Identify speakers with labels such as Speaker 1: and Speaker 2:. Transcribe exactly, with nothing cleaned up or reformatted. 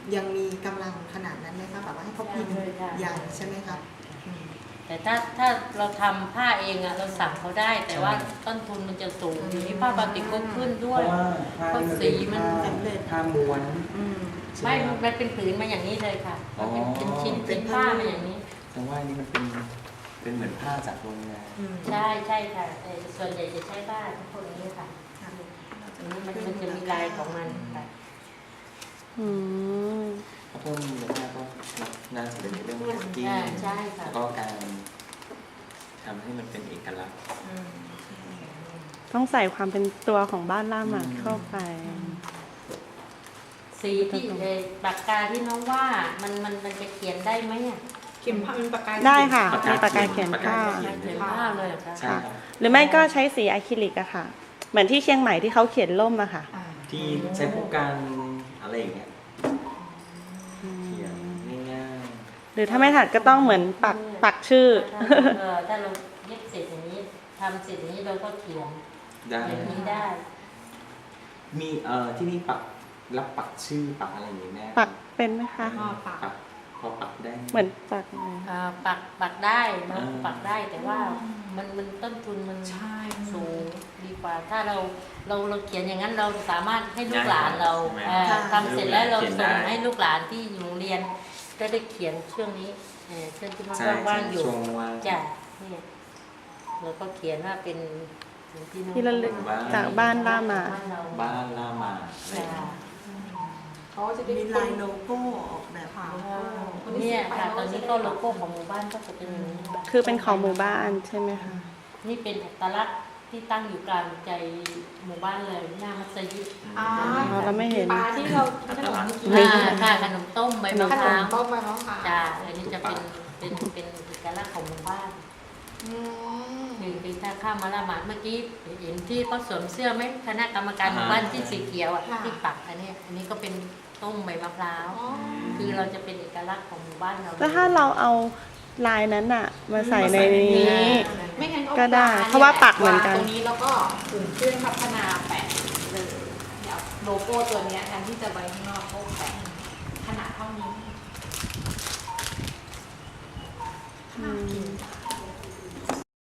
Speaker 1: ยังมีกำลังขนาดนั้นไหมคะแบบว่าให้เขาพิมพ์อย่างใช่ไหมคะ
Speaker 2: แต่ถ้าถ้าเราทำผ้าเองอะเราสั่งเขาได้แต่ว่าต้นทุนมันจะสูงอยู่ที่ผ้าบาติกก็ขึ้นด้วยเพราะสีมัน
Speaker 3: ผ้าม้วน
Speaker 2: ไม่มันเป็นผืนมาอย่างนี้เลยค่ะเป็นเป็นชิ้นเป็นผ้ามาอย่างนี้
Speaker 3: แต่ว่านี่มันเป็นเป็นเหมือนผ้าจากโรงงาน
Speaker 2: ใช่ใช่ค่ะแต่ส่วนใหญ่จะใช้ผ้าพวกนี้ค่ะอันนี้มันมันจะมีลายของมันค่ะ
Speaker 4: อืม
Speaker 3: เพราะเพิ่มมูลค่าก็น่าจะเป็นเรื่องแพ็กกิ้งแล้วก็การทำให้มันเป็นเอกลักษณ์
Speaker 4: ต้องใส่ความเป็นตัวของบ้านล่าหมาดเข้าไป
Speaker 2: สีที่ปากกาที่น้องว่ามันมันมันจะเขียนได้ไหมอ่ะ
Speaker 1: เขียนผ้าเป็นปากกา
Speaker 4: ได้ค่ะมีปากกาเขียนผ้า
Speaker 2: เขียนผ้าเลย
Speaker 4: ค่ะหรือไม่ก็ใช้สีอะคริลิกอะค่ะเหมือนที่เชียงใหม่ที่เขาเขียนล่มอะค่ะ
Speaker 3: ที่ใช้พวกการอะไรอย่างเงี้ยเขียนง่าย
Speaker 4: ๆหรือถ้าไม่ถัดก็ต้องเหมือนปักปักชื่อ
Speaker 2: ถ้าเราเย็บเสร็จอย่างนี้ทำเสร็จอย่างนี้เราก็เขียนอย่างนี้ได้
Speaker 3: มีเอ่อที่นี่ปักรับปักชื่อปักอะไรอย่างนี้แม่
Speaker 4: ปักเป็นไหมคะ
Speaker 3: ปักพอปักได้
Speaker 4: เหมือนปัก
Speaker 2: ปักปักได้นะปักได้แต่ว่ามันมันต้นทุนมันสูงดีกว่าถ้าเราเราเราเขียนอย่างนั้นเราสามารถให้ลูกหลานเราทำเสร็จแล้วเราส่งให้ลูกหลานที่อยู่โรงเรียนก็ได้เขียนช่วงนี้ช่วงที่มันว่างอยู่จ้ะนี่เราก็เขียนว่าเป็น
Speaker 4: ที่ระลึกจากบ้านล่าหมา
Speaker 3: บ้านล่าหมา
Speaker 1: เขาจะได้มีลายโลโก้ออกแบบ
Speaker 2: เนี่ยค่ะตอนนี้ก็โลโก้ของหมู่บ้านก็จะเป็นอย่างนี้
Speaker 4: คือเป็นของหมู่บ้านใช่ไหมคะ
Speaker 2: นี่เป็นอัตลักษณ์ที่ตั้งอยู่กลางใจหมู่บ้านเลยหน้ามัสยิด
Speaker 4: อ๋อเราไม่เห็น
Speaker 1: ปลาที่เราขนม
Speaker 2: ค่ะขนมต้มใบมะพร้าว
Speaker 1: ต้มใบมะพร้าว
Speaker 2: จ้าอันนี้จะเป็นเป็นเป็นเอกลักษณ์ของหมู่บ้านหนึ่งปีถ้าข้ามมาละหมาดเมื่อกี้เห็นที่เขาสวมเสื้อไหมคณะกรรมการหมู่บ้านที่สีเขียวอ่ะที่ปักอันนี้อันนี้ก็เป็นต้มใบมะพร้าวคือเราจะเป็นเอกลักษณ์ของหมู่บ้านเรา
Speaker 4: แล้วถ้าเราเอาลายนั้นอะมาใส่ในนี้
Speaker 1: ไม่งั้น
Speaker 4: ก็ได้เพราะว่าปักเหมือนกัน
Speaker 1: ตรงนี้แล้วก็ถึงเครื่องพัฒนาแปะเลยเดี๋ยวโลโก้ตัวนี้แทนที่จะไว้ข้างนอกก็แปะขนาดเท่านี้น่ากิน